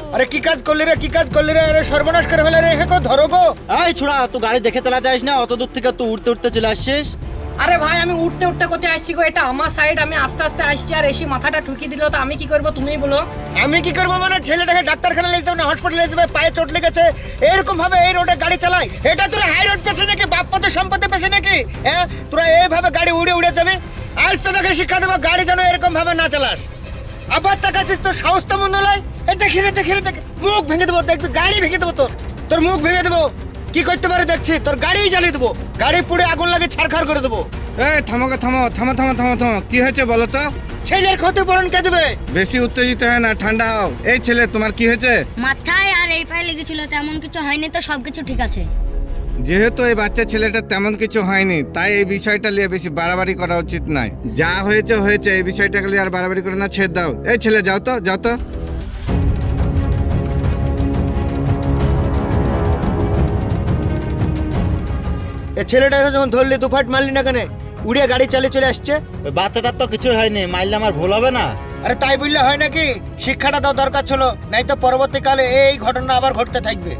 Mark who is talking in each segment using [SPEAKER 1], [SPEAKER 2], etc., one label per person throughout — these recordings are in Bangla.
[SPEAKER 1] আরে কি কাজ করলি রে, কি কাজ করলি রে? আরে সর্বনাশ করে ফেলে রে, হেকো ধরো গো।
[SPEAKER 2] এই ছোড়া, তুই গাড়ি দেখে চালাতে আসিস না? অত দূর থেকে তুই উঠতে উঠতে চলে আসছিস।
[SPEAKER 3] আরে ভাই আমি উঠতে উঠতে কোথায় আসছি গো? এটা আমার সাইড, আমি আস্তে আস্তে আসছি আর এসে মাথাটা ঠুকি দিল, তো আমি কি করবো তুমিই বলো।
[SPEAKER 1] আমি কি করবো মানে? ছেলেটাকে ডাক্তারখানা নিয়ে যেতে হবে না, হসপিটালে যেতে হবে, পায়ে চোট লেগেছে, এরকম ভাবে এই রোডে গাড়ি চালাই? এটা তোরা হাই রোড পেছে নাকি, বাপ পথে সম্পত্তি পেছে নাকি? হ্যাঁ, তোরা এইভাবে গাড়ি উড়ে উড়ে যাবে? আজ তো তোকে শিক্ষা দেবো, গাড়ি যেন এরকম ভাবে না চালাস। আবার তাকাচ্ছিস, তোর সাহস তো মন্দ নয়। এই দেখি রে, দেখি রে, দেখি, মুখ ভেঙে দেবো, দেখবি গাড়ি ভেঙে দেবো, তোর মুখ ভেঙে দেবো। কি করতে পারে দেখছি, তোর গাড়ি জ্বালিয়ে দেবো, গাড়ি পুড়ে আগুন লাগে ছারখার করে দেবো।
[SPEAKER 4] এই থামো গো, থামো থামো থামো থামো থামো, কি হয়েছে বলো তো?
[SPEAKER 1] ছেলের ক্ষতিপূরণ কে দেবে?
[SPEAKER 4] বেশি উত্তেজিত হয় না, ঠান্ডা হও। এই ছেলে, তোমার কি হয়েছে?
[SPEAKER 5] মাথায় আর এই পায়ে লেগেছিল, তেমন কিছু হয়নি তো, সবকিছু ঠিক আছে।
[SPEAKER 4] যেহেতু এই বাচ্চা ছেলেটা তেমন কিছু হয়নি, তাই এই বিষয়টা নিয়ে বেশি বাড়াবাড়ি করা উচিত নয়। যা হয়েছে হয়েছে, এই বিষয়টাকে নিয়ে আর বাড়াবাড়ি করে না, ছেড়ে দাও। এই ছেলে, যাও তো, যাও তো।
[SPEAKER 1] এ ছেলেটাকে যখন ধরলি, দুফাট মারলি না কেন? উড়িয়ে গাড়ি চালিয়ে চলে আসছে।
[SPEAKER 2] ওই বাচ্চাটার তো কিছুই হয়নি, মারলে আমার ভুল হবে না?
[SPEAKER 1] আরে তাই বললে হয় নাকি? শিক্ষাটা দাও দরকার ছিল, নাই তো পরবর্তীকালে এই ঘটনা আবার ঘটতে থাকবে।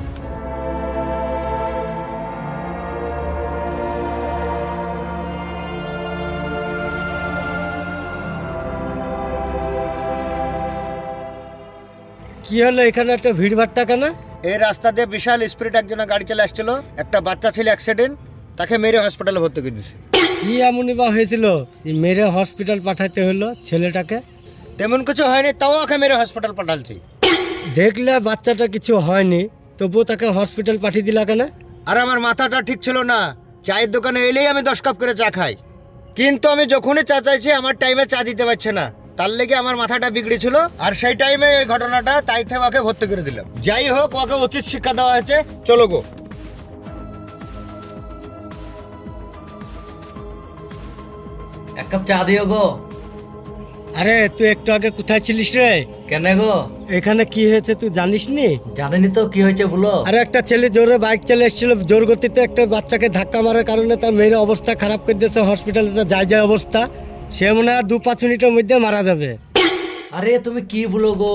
[SPEAKER 6] কি হলো এখানে একটা ভিড়ভাট্টা কেন?
[SPEAKER 1] এই রাস্তা দিয়ে বিশাল স্পিড একজনের গাড়ি চলে আসছিল, একটা বাচ্চা ছিল অ্যাক্সিডেন্ট, তাকে মেরে হসপিটালে ভর্তি করে দিয়েছে।
[SPEAKER 6] কি এমনই বা হয়েছিল যে মেরে হসপিটাল পাঠাতে হলো ছেলেটাকে?
[SPEAKER 1] তেমন কিছু হয়নি, তাও ওকে মেরে হসপিটাল পাঠালছি।
[SPEAKER 6] দেখলে বাচ্চাটা কিছু হয়নি, তবুও তাকে হসপিটাল পাঠিয়ে দিলা কেন?
[SPEAKER 1] আর আমার মাথাটা ঠিক ছিল না, চায়ের দোকানে এলেই আমি 10 কাপ করে চা খাই, কিন্তু আমি যখনই চা চাইছি আমার টাইমে চা দিতে পারছে না, তার লেগে আমার মাথাটা বিগড়েছিল, আর সেই টাইমে এই ঘটনাটা, তাই থেকে ওকে ভর্তি করে দিলাম। যাই হোক, ওকে উচিত শিক্ষা দেওয়া হয়েছে, চলো গো।
[SPEAKER 7] এক কাপ চা দিও গো।
[SPEAKER 6] আরে তুই একটু আগে কোথায় ছিলিস রে?
[SPEAKER 7] কেন গো?
[SPEAKER 6] এখানে কি হয়েছে তুই জানিস নি?
[SPEAKER 7] জানেনি তো কি হয়েছে বলো।
[SPEAKER 6] আরে একটা ছেলে জোরে বাইক চালিয়ে এসেছিল, জোর গতিতে একটা বাচ্চাকে ধাক্কা মারার কারণে তার মেয়ের অবস্থা খারাপ করে দিয়েছে, হসপিটালে তো যায় অবস্থা, সে মনে হয় 2-5 মিনিটের মধ্যে মারা যাবে।
[SPEAKER 7] আরে তুমি কি বলো গো?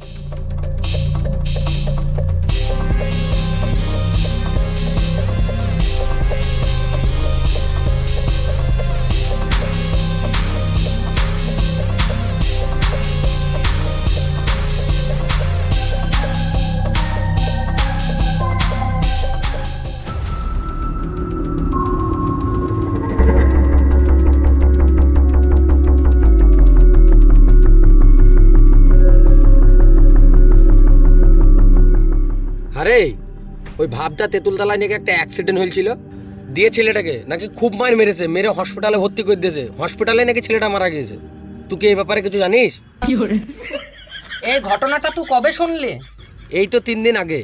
[SPEAKER 8] আরে ওই ভাবটা তেঁতুলতলায় নাকি একটা অ্যাক্সিডেন্ট হয়েছিল, দিয়ে ছেলেটাকে নাকি খুব মার মেরেছে, মেরে হসপিটালে ভর্তি করে দিয়েছে, হসপিটালে নাকি ছেলেটা মারা গিয়েছে। তুই কি এই ব্যাপারে কিছু জানিস?
[SPEAKER 3] এই ঘটনাটা তুই কবে শুনলি?
[SPEAKER 8] এই তো 3 দিন আগে।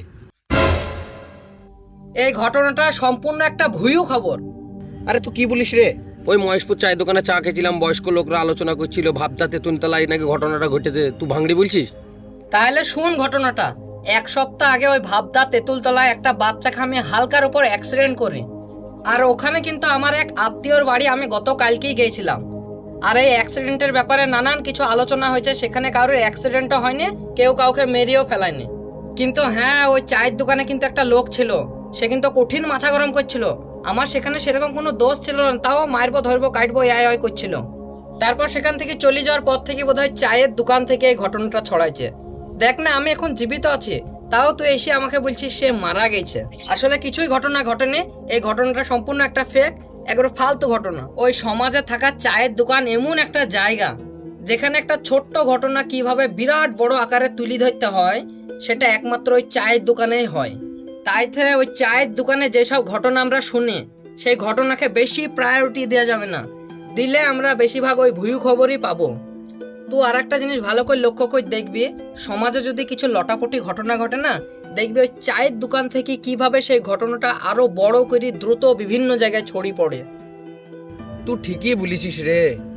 [SPEAKER 3] এই ঘটনাটা সম্পূর্ণ একটা ভুয়ো খবর।
[SPEAKER 8] আরে তুই কি বলিস রে? ওই মহেশপুর চায়ের দোকানে চা খেয়েছিলাম, বয়স্ক লোকরা আলোচনা করছিল ভাবটা তেঁতুলতলায় নাকি ঘটনাটা ঘটেছে, তুই ভাঙড়ি বলছিস?
[SPEAKER 3] তাহলে শুন ঘটনাটা। 1 সপ্তাহ আগে ওই ভাবদা তেঁতুলতলায় একটা বাচ্চা খামে হালকার উপর অ্যাক্সিডেন্ট করে, আর ওখানে কিন্তু আমার এক আত্মীয়র বাড়ি আমি গতকালকেই গিয়েছিলাম। আর এই অ্যাক্সিডেন্টের ব্যাপারে নানান কিছু আলোচনা হয়েছে, সেখানে কারোর অ্যাক্সিডেন্টও হয়নি, কেউ কাউকে মেরেও ফেলায়নি। কিন্তু হ্যাঁ, ওই চায়ের দোকানে কিন্তু একটা লোক ছিল, সে কিন্তু কঠিন মাথা গরম করছিল। আমার সেখানে সেরকম কোনো দোষ ছিল না, তাও মারবো ধরবো কাটবো আয় করছিল। তারপর সেখান থেকে চলে যাওয়ার পর থেকে বোধহয় চায়ের দোকান থেকে এই ঘটনাটা ছড়াইছে। দেখ না, আমি এখন জীবিত আছি, তাও তুই এসে আমাকে বলছিস সে মারা গেছে। আসলে কিছুই ঘটনা ঘটেনি, এই ঘটনাটা সম্পূর্ণ একটা ফেক, একবার ফালতু ঘটনা। ওই সমাজে থাকা চায়ের দোকান এমন একটা জায়গা যেখানে একটা ছোট্ট ঘটনা কিভাবে বিরাট বড় আকারে তুলে ধরতে হয়, সেটা একমাত্র ওই চায়ের দোকানেই হয়। তাই থেকে ওই চায়ের দোকানে যেসব ঘটনা আমরা শুনি, সেই ঘটনাকে বেশি প্রায়োরিটি দেওয়া যাবে না, দিলে আমরা বেশিরভাগ ওই ভুয়ো খবরই পাবো। তুই আর একটা জিনিস ভালো করে লক্ষ্য করে দেখবি, সমাজে যদি কিছু লটাপটি ঘটনা ঘটে না, দেখবি ওই চায়ের দোকান থেকে কিভাবে সেই ঘটনাটা আরো বড় করে দ্রুত বিভিন্ন জায়গায় ছড়িয়ে পড়ে।
[SPEAKER 8] তুই ঠিকই বলিসিস রে।